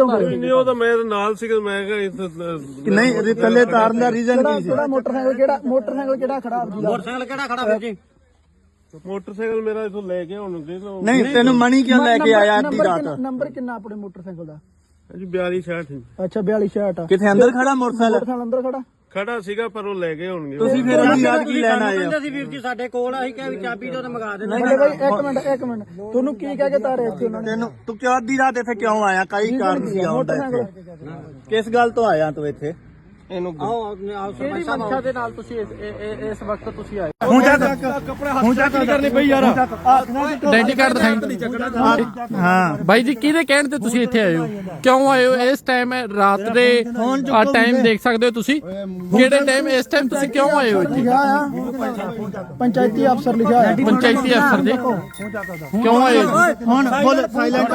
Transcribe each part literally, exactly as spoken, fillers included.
ਜਾਓਗੇ? ਨਹੀਂ ਉਹ ਤਾਂ ਮੈਂ ਨਾਲ ਸੀਗਾ, ਮੈਂ ਕਿਹਾ ਨਹੀਂ ਥੱਲੇ ਤਾਰਨ ਦਾ ਰੀਜ਼ਨ ਕੀ ਸੀ? ਕਿਹੜਾ ਮੋਟਰਸਾਈਕਲ ਕਿਹੜਾ ਮੋਟਰਸਾਈਕਲ ਕਿਹੜਾ ਖੜਾ ਆਪ ਜੀ ਦਾ? ਮੋਟਰਸਾਈਕਲ ਕਿਹੜਾ ਖੜਾ ਵੀਰ ਜੀ? ਮੋਟਰਸਾਈਕਲ ਮੇਰਾ ਇਥੋਂ ਲੈ ਕੇ ਹੁਣ ਦੇ ਲਓ। ਨਹੀਂ ਤੈਨੂੰ ਮਣੀ ਕਿਉਂ ਲੈ ਕੇ ਆਇਆ ਅੱਧੀ ਨੰਬਰ ਰਾਤ? ਕਿੰਨਾ- ਨੰਬਰ ਕਿੰਨਾ ਆਪਣੇ ਮੋਟਰਸਾਈਕਲ ਦਾ? ਜੀ ਬਿਆਲੀ ਛਿਆਹਠ ਅੱਛਾ ਬਿਆਲੀ ਛਿਆਹਠ ਆ। ਕਿੱਥੇ ਅੰਦਰ ਖੜਾ ਮੋਟਰਸਾਈਕਲ? ਮੋਟਰਸਾਈਕਲ ਅੰਦਰ ਖੜਾ ਖੜਾ ਸੀਗਾ ਪਰ ਉਹ ਲੈ ਗਏ ਹੋਣਗੇ। ਤੁਸੀਂ ਫਿਰ ਅੱਧੀ ਰਾਤ ਕੀ ਲੈਣ ਆਏ ਹੋ? ਕਹਿੰਦੇ ਸੀ ਵੀਰ ਜੀ ਸਾਡੇ ਕੋਲ, ਅਸੀਂ ਕਿਹਾ ਵੀ ਚਾਬੀ ਦਿਓ ਤੇ ਮੰਗਾ ਦੇਣਾ। ਨਹੀਂ ਬਾਈ ਇੱਕ ਮਿੰਟ ਇੱਕ ਮਿੰਟ ਤੁਹਾਨੂੰ ਕੀ ਕਹਿ ਕੇ ਤਾਰੇ ਇੱਥੇ ਉਹਨਾਂ ਨੇ? ਤੈਨੂੰ ਤੂੰ ਕਿਉਂ ਅੱਧੀ ਰਾਤ ਇੱਥੇ ਕਿਉਂ ਆਇਆ? ਕਈ ਕਾਰਨ ਸੀ ਆਉਣ ਦਾ ਇੱਥੇ। ਕਿਸ ਗੱਲ ਤੋਂ ਆਇਆ ਤੂੰ ਇੱਥੇ? ਇਹਨੂੰ ਆਓ ਆਓ ਕਿਹੜੀ ਮੰਸ਼ਾ ਦੇ ਨਾਲ ਤੁਸੀਂ ਇਸ- ਇਹ- ਇਹ- ਇਸ ਵਕਤ ਤੁਸੀਂ ਆਏ? ਹੁਣ ਜਾ ਹੁਣ ਜਾ ਕੀ ਕਰਨੀ ਪਈ ਯਾਰ? ਆਈਡੈਂਟੀ ਕਾਰਡ ਦਿਖਾਈ। ਹਾਂ ਬਾਈ ਜੀ ਕਿਹਦੇ ਕਹਿਣ ਤੇ ਤੁਸੀਂ ਇੱਥੇ ਆਏ ਹੋ? ਕਿਉਂ ਆਏ ਹੋ ਇਸ ਟਾਈਮ? ਰਾਤ ਦੇ ਆ ਟਾਈਮ ਦੇਖ ਸਕਦੇ ਹੋ ਤੁਸੀਂ। ਕਿਹੜੇ ਟਾਈਮ ਇਸ ਟਾਈਮ ਤੁਸੀਂ ਕਿਉਂ ਆਏ ਹੋ ਇੱਥੇ? ਲਿਖਿਆ ਆ ਪੰਚਾਇਤੀ ਅਫਸਰ ਲਿਖਿਆ ਆ। ਪੰਚਾਇਤੀ ਅਫਸਰ ਜੀ ਕਿਉਂ ਆਏ ਹੋ? ਹੁਣ ਬੋਲ ਸਾਇਲੈਂਟ।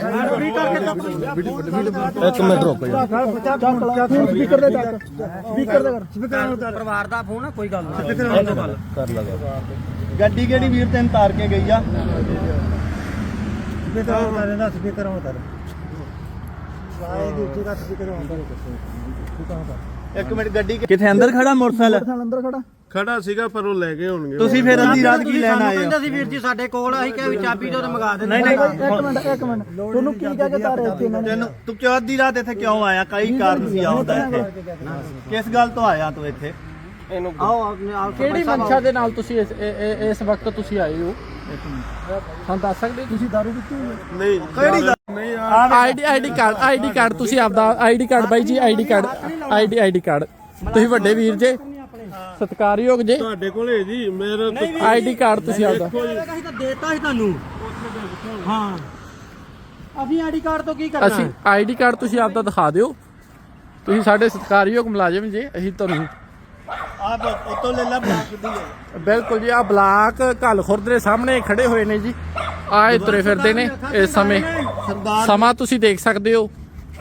ਇੱਕ ਮਿੰਟ ਰੁਕ ਜਾ ਸਪੀਕਰ ਦੇ ਚੱਕ ਸਪੀਕਰ ਦੇ ਕਰ। ਪਰਿਵਾਰ ਦਾ ਫੋਨ ਆ, ਕੋਈ ਗੱਲ ਨਹੀਂ। ਗੱਡੀ ਕਿਹੜੀ ਵੀਰ ਤੈਨੂੰ ਤਾਰ ਕੇ ਗਈ ਆ? ਸਪੀਕਰ ਹੁਣ ਕਰ ਵਾਏ ਦੀ ਉੱਚੀ ਦਾ ਸਪੀਕਰ ਹੁਣ ਕਰ। ਇੱਕ ਮਿੰਟ ਗੱਡੀ ਕਿੱਥੇ ਅੰਦਰ ਖੜਾ ਮੋਟਰਸਾਈਕਲ? ਮੋਟਰਸਾਈਕਲ ਅੰਦਰ ਖੜਾ ਖੜਾ ਸੀਗਾ ਪਰ ਉਹ ਲੈ ਗਏ ਹੋਣਗੇ। ਤੁਸੀਂ ਫਿਰ ਅੱਧੀ ਰਾਤ ਕੀ ਲੈਣ ਆਏ ਹੋ? ਕਹਿੰਦੇ ਸੀ ਵੀਰ ਜੀ ਸਾਡੇ ਕੋਲ, ਅਸੀਂ ਕਿਹਾ ਵੀ ਚਾਬੀ ਦਿਓ ਤੇ ਮੰਗਾ ਦੇਣਾ। ਨਹੀਂ ਇੱਕ ਮਿੰਟ ਇੱਕ ਮਿੰਟ ਤੁਹਾਨੂੰ ਕੀ ਕਹਿ ਕੇ ਤਾਰੇ ਇੱਥੇ ਉਹਨਾਂ ਨੇ? ਤੈਨੂੰ ਤੂੰ ਕਿਉਂ ਅੱਧੀ ਰਾਤ ਇੱਥੇ ਕਿਉਂ ਆਇਆ? ਕਈ ਕਾਰਨ ਸੀ ਆਉਣ ਦਾ ਇੱਥੇ। ਕਿਸ ਗੱਲ ਤੋਂ ਆਇਆ ਤੂੰ ਇੱਥੇ? ਇਹਨੂੰ ਆਓ ਆਓ ਕਿਹੜੀ ਮੰਸ਼ਾ ਦੇ ਨਾਲ ਤੁਸੀਂ ਇਸ ਇਹ- ਇਹ- ਇਸ ਵਕਤ ਤੁਸੀਂ ਆਏ ਹੋ? ਹਾਂ ਦੱਸ ਸਕਦੇ ਹੋ? ਤੁਸੀਂ ਦਾਰੂ ਪੀਤੀ ਹੋਈ ਹੈ? ਨਹੀਂ ਕਿਹੜੀ ਗੱਲ? ਨਹੀਂ ID ID card ID card ਤੁਸੀਂ ਆਪਦਾ ਆਈਡੀ ਕਾਰਡ ਬਾਈ ਜੀ ID card ID ID card ਤੁਸੀਂ ਵੱਡੇ ਵੀਰ ਜੇ ਸਤਿਕਾਰਯੋਗ ਜੇ ਤੁਹਾਡੇ ਕੋਲੇ ਜੀ ਮੇਰਾ ਆਈਡੀ ਕਾਰਡ ਤੁਸੀਂ ਆਪਦਾ ਅਸੀਂ ਤਾਂ ਦੇਤਾ ਸੀ ਤੁਹਾਨੂੰ। ਹਾਂ ਅਸੀਂ ਆਈਡੀ ਕਾਰਡ ਤੋਂ ਕੀ ਕਰਨਾ? ਅਸੀਂ ਆਈਡੀ ਕਾਰਡ ਤੁਸੀਂ ਆਪਦਾ ਦਿਖਾ ਦਿਓ। ਤੁਸੀਂ ਸਾਡੇ ਸਤਿਕਾਰਯੋਗ ਮੁਲਾਜ਼ਮ ਜੇ, ਅਸੀਂ ਤੁਹਾਨੂੰ ਆਪ ਉਤੋਂ ਲੈ ਲੈ ਬਲਾਕ ਦੀ ਹੈ। ਬਿਲਕੁਲ ਜੀ ਆ ਬਲਾਕ ਘੱਲ ਖੁਰਦ ਦੇ ਸਾਹਮਣੇ ਖੜੇ ਹੋਏ ਨੇ ਜੀ। ਆਏ ਤੁਰੇ ਫਿਰਦੇ ਨੇ ਇਸ ਸਮੇਂ। ਸਮਾਂ ਤੁਸੀਂ ਦੇਖ ਸਕਦੇ ਹੋ,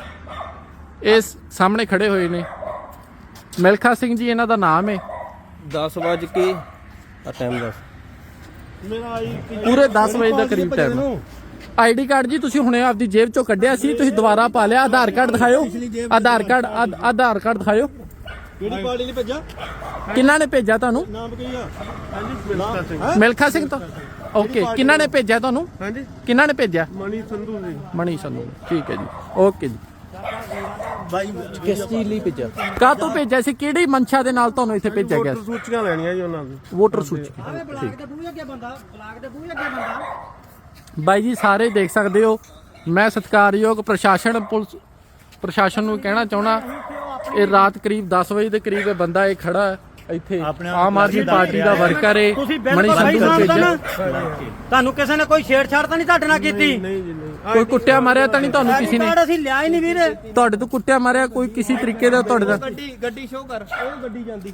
ਇਸ ਸਾਹਮਣੇ ਖੜੇ ਹੋਏ ਨੇ। ਮਿਲਖਾ ਸਿੰਘ ਜੀ ਇਹਨਾਂ ਦਾ ਨਾਮ ਹੈ। ਦਸ ਵੱਜ ਕੇ ਆ ਟਾਈਮ ਦੱਸ। ਮੇਰਾ ਆਈ ਪੂਰੇ ਦਸ ਵਜੇ ਦੇ ਕਰੀਬ ਟਾਈਮ। ਆਈਡੀ ਕਾਰਡ ਜੀ ਤੁਸੀਂ ਹੁਣੇ ਆਪਦੀ ਜੇਬ ਚੋਂ ਕੱਢਿਆ ਸੀ, ਤੁਸੀਂ ਦੁਬਾਰਾ ਪਾ ਲਿਆ। ਆਧਾਰ ਕਾਰਡ ਦਿਖਾਇਓ। ਆਧਾਰ ਕਾਰਡ ਆਧ- ਆਧਾਰ ਕਾਰਡ ਦਿਖਾਇਓ। ਕਿਹੜੀ ਪਾਰਟੀ ਨੇ ਭੇਜਾ? ਕਿਹਨਾਂ ਨੇ ਭੇਜਿਆ ਤੁਹਾਨੂੰ? ਨਾਮ ਕੀ ਆ? ਹਾਂਜੀ ਮਿਲਖਾ ਸਿੰਘ। ਮਿਲਖਾ ਸਿੰਘ ਤੋਂ ਓਕੇ। ਕਿਹਨਾਂ ਨੇ ਭੇਜਿਆ ਤੁਹਾਨੂੰ? ਹਾਂਜੀ ਕਿਹਨਾਂ ਨੇ ਭੇਜਿਆ? ਮਣੀ ਸੰਧੂ ਜੀ। ਮਣੀ ਸੰਧੂ। ਠੀਕ ਹੈ ਜੀ, ਓਕੇ ਜੀ। ਬਾਈ ਕਿਸ ਚੀਜ਼ ਲਈ ਭੇਜਿਆ? ਕਾਹ ਤੋਂ ਭੇਜਿਆ ਸੀ? ਕਿਹੜੀ ਮੰਸ਼ਾ ਦੇ ਨਾਲ ਤੁਹਾਨੂੰ ਇੱਥੇ ਭੇਜਿਆ ਗਿਆ ਵੋਟਰ ਸੀ? ਸੂਚੀਆਂ ਲੈਣੀਆਂ ਜੀ ਉਹਨਾਂ ਦੀ। ਵੋਟਰ ਸੂਚੀ। ਬਲਾਕ ਦੇ ਬੂਹੇ ਅੱਗੇ ਬੰਦਾ, ਬਲਾਕ ਦੇ ਬੂਹੇ ਅੱਗੇ ਬੰਦਾ। ਬਾਈ ਜੀ ਸਾਰੇ ਦੇਖ ਸਕਦੇ ਹੋ। ਮੈਂ ਸਤਿਕਾਰਯੋਗ ਪ੍ਰਸ਼ਾਸਨ ਪੁਲਿਸ ਪ੍ਰਸ਼ਾਸਨ ਨੂੰ ਕਹਿਣਾ ਚਾਹਣਾ, ਇਹ ਰਾਤ ਕਰੀਬ ਦਸ ਵਜੇ ਦੇ ਕਰੀਬ ਇਹ ਬੰਦਾ ਇਹ ਖੜਾ ਹੈ ਇੱਥੇ। ਆਮ ਆਦਮੀ ਪਾਰਟੀ ਦਾ ਵਰਕਰ ਹੈ। ਤੁਸੀਂ ਮਣੀ ਬਿਲਕੁਲ ਸਹੀ ਸੰਧੂ ਨੂੰ ਸਮਝਦੇ ਨਾ। ਭੇਜਿਆ। ਤੁਹਾਨੂੰ ਕਿਸੇ ਨੇ ਕੋਈ ਛੇੜਛਾੜ ਤਾਂ ਨਹੀਂ ਤੁਹਾਡੇ ਨਾਲ ਕੀਤੀ? ਨਹੀਂ ਜੀ ਨਹੀਂ। ਕੋਈ ਕੁੱਟਿਆ ਮਾਰਿਆ ਤਾਂ ਨਹੀਂ ਤੁਹਾਨੂੰ ਕਿਸੇ ਨੇ? ਕਾਰਡ ਅਸੀਂ ਲਿਆ ਹੀ ਨਹੀਂ ਵੀਰੇ। ਤੁਹਾਡੇ ਤੋਂ ਕੁੱਟਿਆ ਮਾਰਿਆ ਕੋਈ ਕਿਸੇ ਤਰੀਕੇ ਦਾ ਤੁਹਾਡੇ ਦਾ? ਗੱਡੀ ਗੱਡੀ ਸ਼ੋਅ ਕਰ। ਉਹ ਗੱਡੀ ਜਾਂਦੀ।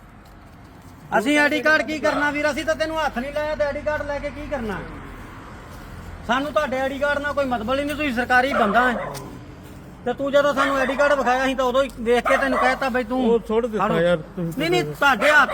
ਅਸੀਂ ਆਈਡੀ ਕਾਰਡ ਕੀ ਕਰਨਾ ਵੀਰ? ਅਸੀਂ ਤਾਂ ਤੈਨੂੰ ਹੱਥ ਨਹੀਂ ਲਾਇਆ ਤੇ ਆਈਡੀ ਕਾਰਡ ਲੈ ਕੇ ਕੀ ਕਰਨਾ? ਸਾਨੂੰ ਤੁਹਾਡੇ ਆਈਡੀ ਕਾਰਡ ਨਾਲ ਕੋਈ ਮਤਲਬ ਹੀ ਨਹੀਂ। ਤੁਸੀਂ ਸਰਕਾਰੀ ਬੰਦਾ ਹੈ ਤੇ ਤੂੰ ਜਦੋਂ ਸਾਨੂੰ ਆਈਡੀ ਕਾਰਡ ਵਿਖਾਇਆ ਸੀ ਤਾਂ ਉਦੋਂ ਹੀ ਵੇਖ ਕੇ ਤੈਨੂੰ ਕਹਿਤਾ ਬਈ ਤੂੰ ਉਹ ਛੋੜ ਦਿੱਤਾ ਯਾਰ ਤੁਸੀਂ। ਨਹੀਂ ਨਹੀਂ ਤੁਹਾਡੇ ਹੱਥ